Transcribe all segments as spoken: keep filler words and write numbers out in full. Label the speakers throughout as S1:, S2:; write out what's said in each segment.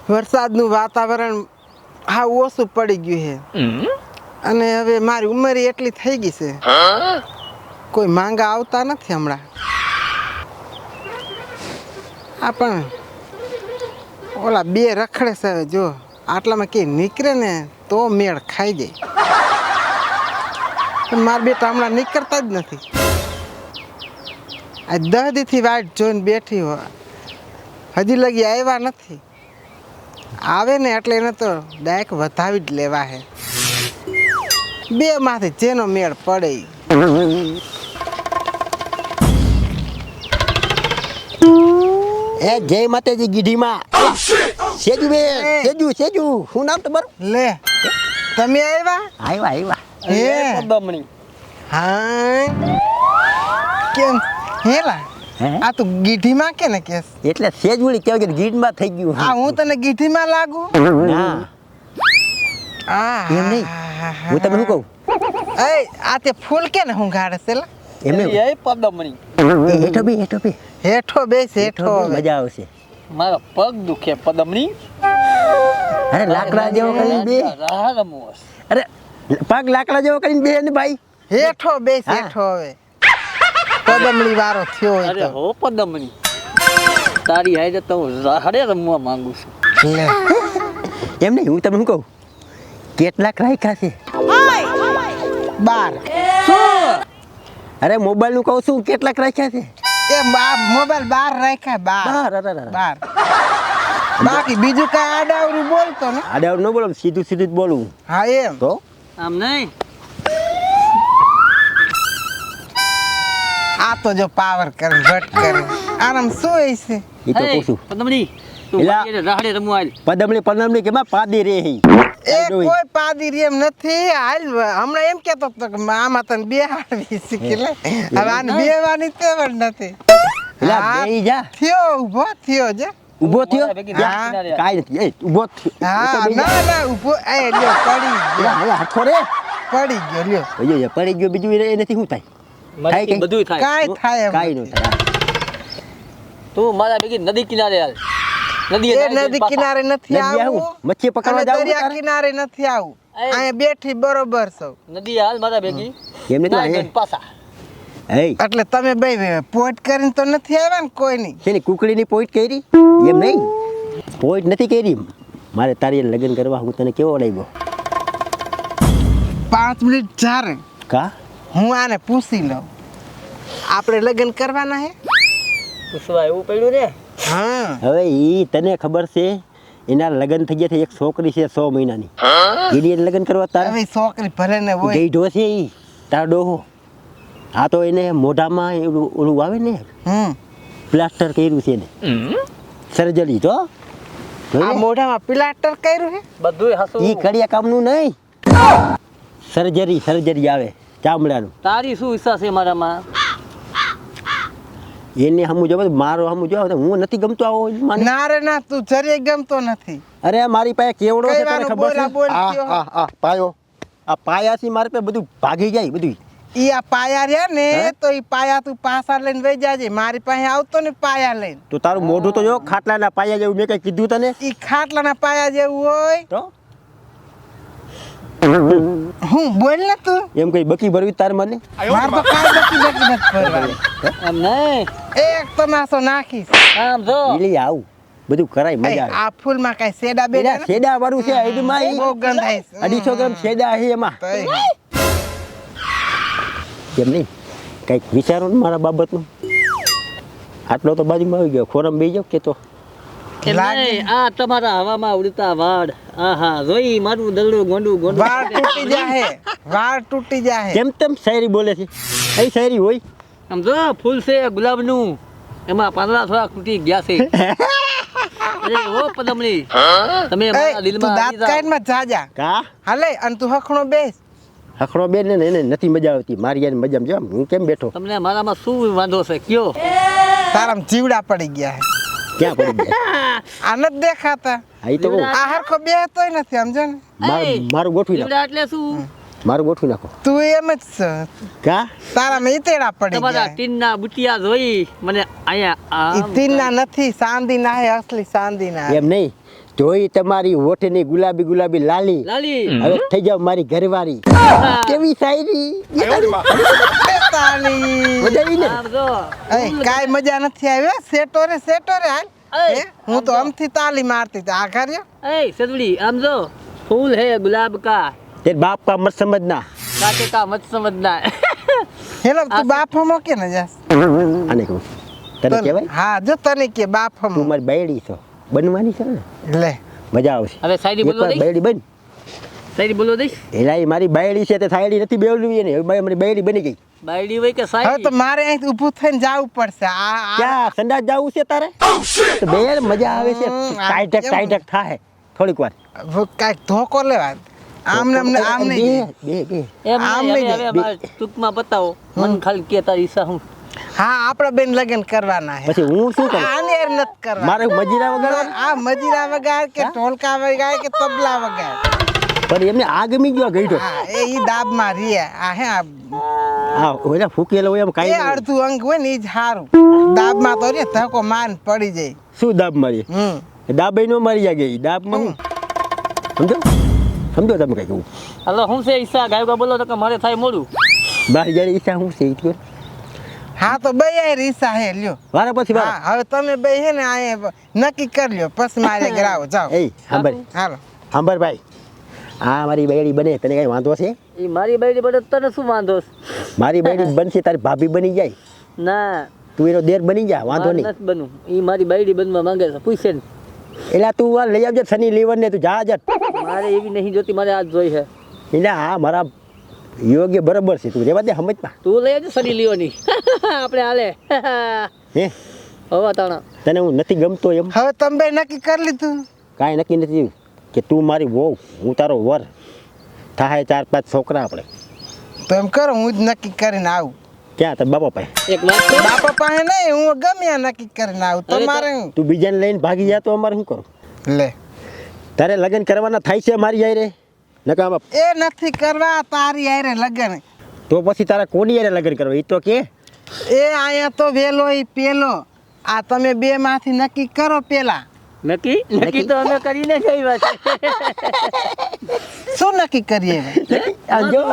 S1: વરસાદનું વાતાવરણ હા ઓછું પડી ગયું છે અને હવે મારી ઉંમર એટલી થઈ ગઈ છે કોઈ માંગા આવતા નથી હમણાં. આ પણ ઓલા બે રખડે છે હવે જો આટલામાં કે નીકળે ને તો મેળ ખાઈ જાય પણ મારા બેટા હમણાં નીકળતા જ નથી. આ દહ દીથી વાટ જોઈને બેઠી હોય હજી લગી આવ્યા નથી. આવે ને એટલે એને તો ડાયરેક્ટ વધાવી જ લેવા હે બે માંથી જેનો મેળ પડે ઈ.
S2: એ જય માતાજી ગીઢીમાં સેજુ બે સેજુ સેજુ શું નામ તમારું?
S1: લે તમે આવ્યા
S2: આવ્યા આવ્યા
S1: હે
S3: પદમણી
S1: હા કેમ હેલા
S2: હે?
S1: આ તું ગીઢીમાં કે ને કેસ
S2: એટલે સેજુડી કહેવાય કે ગીઢમાં થઈ ગયું.
S1: આ હું તને ગીઢીમાં લાગુ
S2: ના
S1: આ
S2: એમ નહીં. હું તમને શું કહું
S1: એ આ તે ફૂલ કે ને હું ગાડે છે લા
S2: એમને
S3: એ પદમણી
S2: હેઠો બી હેઠો બી
S1: હેઠો બેસ હેઠો
S2: હેઠો
S1: હવે.
S2: મજા આવશે.
S3: મારો પગ દુખે પદમણી
S2: અરે લાકડા જેવો કરીને બે
S3: રાહ રમવો છે.
S2: અરે પગ લાકડા જેવો કરીને બે ને ભાઈ
S1: હેઠો બેસ
S2: હા.
S1: હેઠો હવે પદમણી વારો થયો હોય
S3: અરે
S1: તો
S3: હો પદમણી તારી હારે તો હું રાહડે રમવા માંગુ છું.
S1: લે
S2: એમ નહીં હું તમને શું કહું કેટલાક રાખ્યા છે?
S1: બાર
S2: અરે મોબાઈલ નું કહું છું કેટલાક રાખ્યા છે?
S1: એ બા મોબાઈલ બાર રાખ્યા બાર
S2: બાર અરે અરે
S1: બાર બાકી બીજું કઈ આડાવરું બોલતો ને
S2: આડા ન બોલો સીધું સીધું જ બોલું
S1: હા એમ
S2: તો
S3: આમ નહીં
S1: આ તો જો પાવર કરે ભટ કરે આરામ શું હોય છે
S2: એ તો કહું છું
S3: પદમણી તું
S2: એલા.
S3: મારી હારે રાહડે રમવા આલ.
S2: પદમણી પદમણી કેમાં પાદી રે હી
S1: એ કોઈ પાદી રેમ નથી હાલ હમણાં એમ કેતો હતો કે આમાં તને બેહાડવી શીખી લે હવે આને બેહવાની તેવડ નથી
S2: એલા
S1: હા,
S2: બેહી જા
S1: થયો ઊભો થયો છે
S2: ઊભો થયો
S3: મારા ભેગી
S1: હા.
S3: કિનારે આલ.
S2: કાઈ નથી એ ઊભો થયો
S1: હા
S2: એ તો બેહી જા.
S1: ના ના ઊભો એ લ્યો પડી
S2: એલા,
S1: ગયો
S2: એલા, હાથો રે
S1: પડી ગયો લ્યો
S2: ઓયો યો, પડી ગયો બીજું એ નથી શું થાય
S3: મારાથી
S2: કઈ?
S3: બધુંય થાય.
S1: કાંઈ થાય એમ
S2: કાઈ ન
S1: નથી.
S2: થાય
S3: તું મારા ભેગી નદી કિનારે હાલ. નદીએ
S1: એ
S3: નાહી જઈને
S1: નદી
S3: પાછા.
S1: કિનારે નથી
S2: નદી આવું?
S1: આવું
S2: મચ્છી પકડવા
S1: અને
S2: જાવું
S1: દરિયા
S2: તારે?
S1: કિનારે નથી આવું
S3: એ.
S1: અહીંયા બેઠી બરોબર છો
S3: નદી હાલ મારા ભેગી
S2: એમ નથી
S3: નાહી
S2: લાગે?
S3: જઈને પાછા.
S2: એ
S1: એટલે તમે બે પોઈન્ટ કરીને તો નથી આવ્યા ને કોઈ નહીં
S2: શેની કુકડીની પોઈન્ટ કરી એમ નહીં પોઈન્ટ નથી કરી મારે તારી હારે લગ્ન કરવા હું તને કેવો લાગ્યો
S1: પાંચ મિનિટ ચારે
S2: કા
S1: હું આને પૂછી લઉં આપણે લગ્ન કરવાના હે
S3: પૂછવા એવું પડ્યું ને
S1: હા
S2: હવે ઈ તને ખબર છે એના લગ્ન થઈ ગયા છે એક છોકરી છે સો મહિનાની એની હારે લગ્ન કરવા તારે
S1: હવે છોકરી ભલે ને હોય
S2: ગઈઢો છે ઈ તારો ડોહો આ તો એને મોઢામાં એવું ઓલું આવે ને
S1: હમ
S2: પ્લાસ્ટર કર્યું છે એને સર્જરી તો
S1: આ મોઢામાં પ્લાસ્ટર કર્યું હે
S3: બધુંય હાસું.
S2: ઈ કડિયા કામનું નહીં સર્જરી સર્જરી આવે ચામડાનું
S3: તારી શું ઈચ્છા છે મારામાં?
S2: એને હમું જો મારો હમું જો હું નથી ગમતો આવો માને.
S1: ના રે ના તું જરીય ગમતો નથી
S2: અરે મારી પાસે કેવડો છે તને
S1: કહેવાનું
S2: ખબર છે
S1: બોલા બોલ
S2: આ
S1: થયો.
S2: આ આ પાયો આ પાયાથી મારી પાસે બધું ભાગી જાય બધું
S1: ઈ આ પાયા રહ્યા ને
S2: હે?
S1: તો ઈ પાયા તું પાછા લઈને વહી જાજે મારી પાસે આવતો ને પાયા લઈને
S2: તો તારું મોઢું તો જો ખાટલાના પાયા જેવું મેં કઈ કીધું તને
S1: ઈ ખાટલાના પાયા જેવું હોય
S2: તો
S1: હું બોલ ને તું
S2: એમ કઈ બકી ભરવી તાર મને
S1: માર તો કાંઈ બકી બકી નથી ભરવાની
S3: એમ નહીં
S1: એક તમાશો નાખીશ
S3: આમ જો
S2: એટલે આવું બધું કરાય
S1: એ,
S2: મજા આવે
S1: આ ફૂલમાં કાંઈ શેડા
S2: એના
S1: બેડા નથી?
S2: શેડા વાળું છે આઈડમાં ઈ.
S1: બહુ ગંધ આવે છે.
S2: અઢીસો ગ્રામ શેડા છે એમાં
S1: તઈ.
S2: કેમ નહીં કંઈક વિચારો ને મારા બાબતનું આટલો તો બાજુમાં આવી ગયો ખોરામ બેસી જાવ કે તો
S3: એમ
S1: લાગે.
S3: નહીં, આ તમારા હવામાં ઉડતા વાળ આહા જોઈ મારું દલડું ગોંડું ગોંડું
S1: વાળ તૂટી જાહે વાળ તૂટી જાહે
S2: કેમ તેમ શાયરી બોલે છે એ શાયરી હોય
S3: આમ જો ફૂલ છે ગુલાબનું એમાં પાંદડા થોડા તૂટી ગયા છે અરે ઓ પદમણી તમે
S1: એ,
S3: મારા
S1: તું
S3: દિલમાં
S1: દાંત
S3: આવી જાઓ.
S1: કાઢમાં જાજા
S2: કા
S1: હાલે અને તું હખણો બેસ
S2: હખડો બેન ને એને નથી મજા આવતી મારી યાર મજામાં જો આમ હું કેમ બેઠો
S3: તમને મારામાં શું વાંધો છે કયો
S1: તારામાં જીવડા પડી ગયા હે
S2: ક્યાં પડી ગયા
S1: આ નથી દેખાતા
S2: આ ઈ તો કહું,
S1: આ હરખો બેહતોય નથી સમજો ને
S2: માર-
S3: એય,
S2: મારું ગોઠવી નાખ
S3: જીવડા એટલે શું
S2: મારું ગોઠવી નાખો
S1: તું એમ જ છે.
S2: કા
S1: તારા મેં ઈતેડા પડી
S3: તમારા
S1: ગયા.
S3: ટીનના બુટિયા જોઈ મને અહીંયા
S1: ઈ
S3: આમ
S1: તીનના નથી, ચાંદીના હે, અસલી ચાંદીના હે.
S2: એમ નહીં જોઈ તમારી હોઠની ગુલાબી ગુલાબી લાલી
S3: લાલી
S2: હવે થઈ જાવ મારી ઘરવાળી કેવી શાયરી
S1: તાળી.
S2: મજા આવી ને
S3: આમ જો
S1: એ કાંઈ મજા નથી આવી હો. સેટો રે સેટો રે હાલ.
S3: એય,
S1: હે? હું તો આમથી તાલી મારતી હતી. આ કર્યો
S3: એ સદડી આમ જો ફૂલ હે ગુલાબ કા
S2: તેર બાપ કા મત સમજના
S3: કાटे का मत समझना
S1: હેલો તું બાપ હમો કે ને જાસ
S2: આને કહું તને કહેવાય
S1: હા જો તને કે બાપ
S2: તું
S1: હમો
S2: મારી બાયડી છો બનવાની છે ને
S1: લે.
S2: મજા આવશે
S3: હવે શાયરી બોલવા
S2: એકવાર
S3: દઈશ
S2: બાયડી બન
S3: શાયરી બોલવા દઈશ
S2: એલા એ મારી બાયડી છે તે થાયડી નથી બેવડવી ને હવે મારી બાયડી બની ગઈ
S3: બાયડી હોય કે
S1: હવે
S3: શાયરી
S1: તો મારે અહીં ઊભું થઈને જવું પડશે. આ આ
S2: ક્યાં સંડાસ જાવું છે તારે તો બેર મજા આવે છે
S1: હમ, આ
S2: ટાઈટક
S1: કેમ?
S2: ટાઈટક થાય થોડીક વાર
S1: કાંઈક ધોકો લેવા. આમ ને આમ ને આમ
S2: બે
S1: નહીં.
S2: બે બે
S3: એમ
S1: આમ
S3: નહીં,
S1: નહીં
S3: હવે
S1: જાય.
S3: મારે ટૂંકમાં બતાવો મન ખાલી કે તારી ઈચ્છા હું
S1: હા આપણે બેન લગ્ન કરવાના હે.
S2: પછી હું શું કરું
S1: આને યાર નથી કરવા.
S2: મારે મજીરા વગર
S1: આ મજીરા વગાડ કે ઢોલકા વગાડ કે તબલા વગાડ.
S2: પણ એમને આ ગમી ગયો ગઈઢો
S1: હા એ ઈ દાબમાં રીએ. આ હે આ
S2: હા ઓલા ફૂકેલો હોય એમ
S1: એ
S2: કાઈ
S1: અડધું અંગ હોય ને ઈ જ સારું. દાબમાં તો રે ધક્કો માન પડી જાય.
S2: શું દાબ મારી
S1: હમ
S2: દાબ નો મારી જાય ગઈ દાબ માં હું સમજો સમજો તમે કઈ કહું
S3: હાલો હું છે ઈચ્છા ગાયકા બોલો તો કે મારે થાય મોડું
S2: બહાર જયારે ઈચ્છા હું છે ઈ કયો
S1: હા તો બે યાર રીસા હે લ્યો.
S2: વારા પછી વારા
S1: હા હવે તમે બે હે ને આ નક્કી કરી લ્યો પછી મારે ગ્રાવ જાઓ.
S2: એ સાંભળ
S1: હાલો
S2: સાંભળ ભાઈ આ મારી બાયડી બને તને કઈ વાંધો છે
S3: એ મારી બાયડી બને તને શું વાંધો છે?
S2: મારી બાયડી બનશે તારી ભાભી બની જાય
S3: ના
S2: તું એનો દેર બની જા વાંધો
S3: મારે
S2: નહીં
S3: નથી બનવું એ મારી બાયડી બનવા માંગે છે પૂછે ને
S2: એટલે તું આ લઈ આવજે સની લીવર ને તું જા જ
S3: મારે એવી નહીં જોતી મારે આજ જોઈ છે
S2: એટલે હા મારા યોગ્ય બરાબર છે તું રેવા દે સમજમાં
S3: તું લઈ આવજે સની લીઓની આપણે હાલે
S2: હે
S3: હવા તાણા
S2: તને હું નથી ગમતો એમ
S1: હવે તમે બે નક્કી કરી લીધું.
S2: કાંઈ નક્કી નથી કે તું મારી વહુ હું તારો વર થાય ચાર પાંચ છોકરા આપણે
S1: તો એમ કરો હું જ નક્કી કરીને આવું.
S2: ક્યાં તાર બાપા પાસે
S3: એક વાત કહું?
S1: બાપા પાસે નહીં હું ગમે ત્યાં નક્કી કરીને આવું.
S3: અરે તો-
S1: તમારે હું
S2: તું બીજાને લઈને ભાગી જા તો અમારે શું કરું
S1: લે
S2: તારે લગ્ન કરવાના થાય છે મારી યારે નકા બાપ
S1: એ નથી કરવા તારી હારે લગન.
S2: તો પછી તારા કોની યારે લગ્ન કરવા એ તો કે
S1: એ આયા તો વેલો ઈ પેલો. આ તમે બે માંથી નક્કી કરો પેલા.
S3: નક્કી નક્કી તો અમે કરીને જ આવ્યા છે
S1: શું નક્કી કરીએ હવે?
S2: આ જો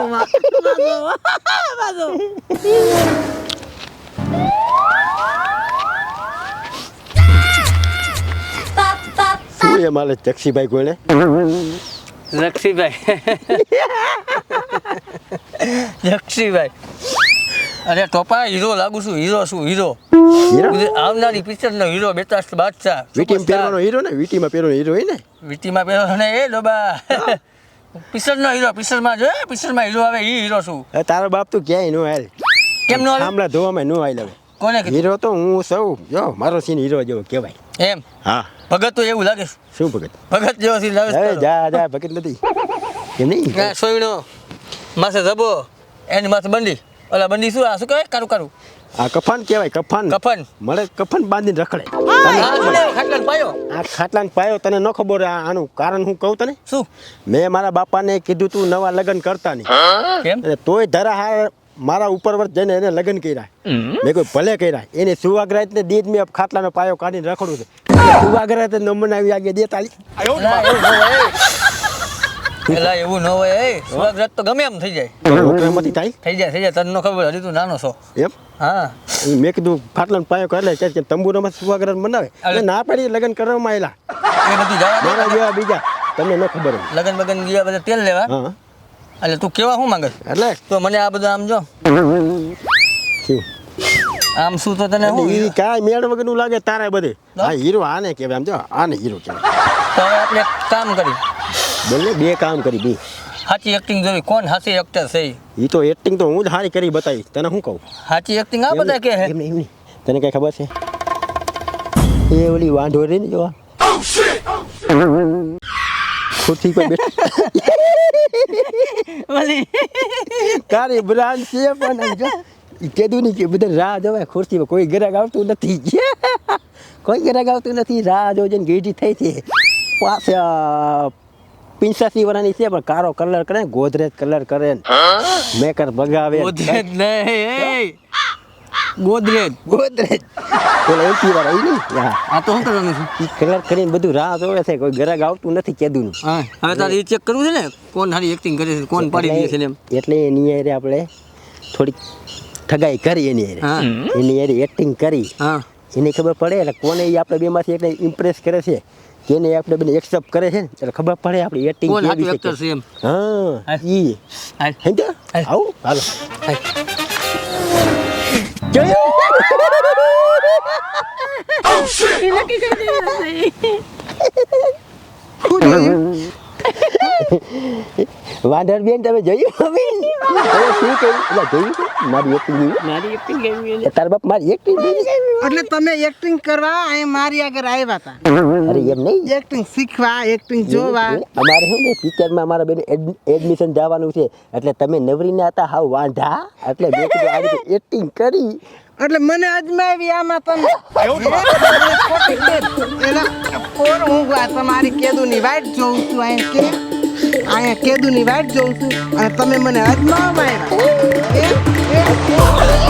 S2: શું એ મારે ચક્ષીભાઈ કોને
S3: લક્ષીભાઈ લક્ષીભાઈ અરે ટોપા હીરો લાગુ છું હીરો છું હીરો
S2: હીરો
S3: આવનારી પિક્ચર નો હીરો બેતાસ્ટ બાદશાહ
S2: વીટીમાં પહેરવાનો હીરો ને વીટીમાં પહેરવાનો હીરો હોય ને
S3: વીટીમાં પહેરો ને એ ડોબા પિક્ચર નો હીરો પિક્ચર માં જો પિક્ચર માં હીરો આવે એ હીરો છું
S2: હવે તારો બાપ તું ક્યાંય નો હાલ
S3: કેમ નો આવે?
S2: આમલા ધોવામાં નો હાલ હવે
S3: કોને કીધું
S2: હીરો તો હું સૌ જો મારો સીન હીરો જેવો કહેવાય
S3: એમ
S2: હા
S3: ભગત તો એવું લાગે છે.
S2: શું ભગત
S3: ભગત જેવો સીન લાગે
S2: હવે
S3: છે.
S2: જા જા ભગત નથી એમ નહીં
S3: ના સોયણો માથે જબો એની માથે બંડી ઓલા બંડી શું આ શું કહેવાય કારું કારું
S2: આ કફન કહેવાય કફન
S3: કફન
S2: મળે કફન બાંધીને રખડે
S3: આ મને ખાટલાને પાયો
S2: આ ખાટલાને પાયો તને ન ખબર આ- આનું કારણ હું કહું તને
S3: શું
S2: મેં મારા બાપાને કીધું તું નવા લગ્ન કરતા નહીં
S3: કેમ
S2: એટલે તોય ધરા હાર મારા ઉપર વર્ષ જઈને એને લગ્ન કર્યા મેં કોઈ ભલે કર્યા એને સુવાગરાત ને દીધ મેં ખાટલાનો પાયો કાઢીને રખડું છે સુવાગરાત નંબર આવી આગે દે તાલી
S3: એલા એવું ન હોય એલા એવું ન હોય એ સ્વાગત તો ગમે એમ થઈ જાય
S2: નોકરીમાંથી થાય
S3: થઈ જાય થઈ જાય તને ન ખબર હજી તું નાનો છો
S2: એમ
S3: હા
S2: એ મેં કીધું ખાટલાનો પાયો કરે છે કે તંબુરામાં સુવાગરાત બનાવે એટલે ના પાડી લગ્ન કરવામાં આવેલા
S3: એ બધું જવા દે.
S2: મારા જેવા બીજા તમને ન ખબર હોય
S3: લગન બગન ગયા બધા તેલ લેવા
S2: હા
S3: એટલે તું કેવા શું માંગે છે?
S2: એટલે
S3: તો મને આ બધું આમ જો
S2: શું
S3: આમ શું તો તને શું
S2: એ કાંઈ મેળ વગરનું લાગે તારે બધે હા હીરો આને કહેવાય આમ જો આને હીરો કહેવાય
S3: તો હવે આપણે એક કામ કરી
S2: બોલે બે કામ કરી બે
S3: સાચી એક્ટિંગ જોવી કોણ સાચી એક્ટર છે ઈ?
S2: એ તો એક્ટિંગ તો હું જ સારી કરી બતાવી તને શું કહું
S3: સાચી એક્ટિંગ આ બધા કે હે
S2: એમ નહીં, એમ નહીં. તને કઈ ખબર છે એ ઓલી વાંઢો રહી ને જો ખુરશી પર બેઠી
S3: ઓલી
S2: તારી બ્રાન્ડ છે પણ આમ જો ઈ કીધું નહીં કે બધા રાહ જોવે ખુરશી પર કોઈ ગ્રાહક આવતું નથી કોઈ ગ્રાહક આવતું નથી રાહ જોજે ને ગીઢી થઈ છે પાછા પિંચાસી વર્ષની છે પણ કારો કલર કરે ને, ગોદરેજ કલર કરે ને, મેકર ભગાવે ને.
S3: ગોદરેજ નહીં ગોદરેજ
S2: ગોદરેજ પેલા એસી વાળા ઈ નહીં હા
S3: આ તો શું કરવાનું છે
S2: ઈ કલર કરીને બધું રાહ જોવે છે, કોઈ ગ્રાહક આવતું નથી કેદુનું.
S3: હા હવે તારે એ ચેક કરવું છે ને કોણ સારી એક્ટિંગ કરે છે કોણ પાડી દે છે ને એમ.
S2: એટલે એની હારે આપણે થોડીક ઠગાઈ કરી એની હારે.
S3: હા
S2: એની હારે એક્ટિંગ કરી
S3: હા
S2: એની ખબર પડે એટલે કોને ઈ આપણે બેમાંથી એકને ઇમ્પ્રેસ કરે છે, કેને આપણે બેને એક્સેપ્ટ કરે છે ને એટલે ખબર પડે આપણી એક્ટિંગ
S3: કોણ
S2: કેવી
S3: સાચું
S2: છે.
S3: એક્ટર છે એમ.
S2: હા ઈ
S3: હાલ.
S2: હે તો
S3: હાલ.
S2: આવું હાલો
S3: હાલ.
S2: વાંઢર બેન તમે જોયું હવે હવે શું કહ્યું એટલે જોયું છે? મારી એક્ટિંગ
S3: મારી એક્ટિંગ કેવી
S2: તાર બાપ મારી એક્ટિંગ
S1: એટલે તમે એક્ટિંગ કરવા અહીં મારી આગળ આવ્યા હતા,
S2: અરે એમ નહીં
S1: એક્ટિંગ શીખવા, એક્ટિંગ જોવા.
S2: અમારે છે ને પિક્ચરમાં અમારા બેન એડમિશન જવાનું છે એટલે તમે નવરીના હતા હાવ વાંઢા એટલે મેં કીધું આવી રીતે એક્ટિંગ કરી.
S1: એટલે મને અજમાવી આમાં તમે ખોટી છે. એના કોણ હું આ તમારી કેદુની વાટ જોઉં છું અહીંયા કે અહીંયા કેદુની વાટ જોઉં છું અને તમે મને અજમાવવા આવ્યા. એમ? એમ?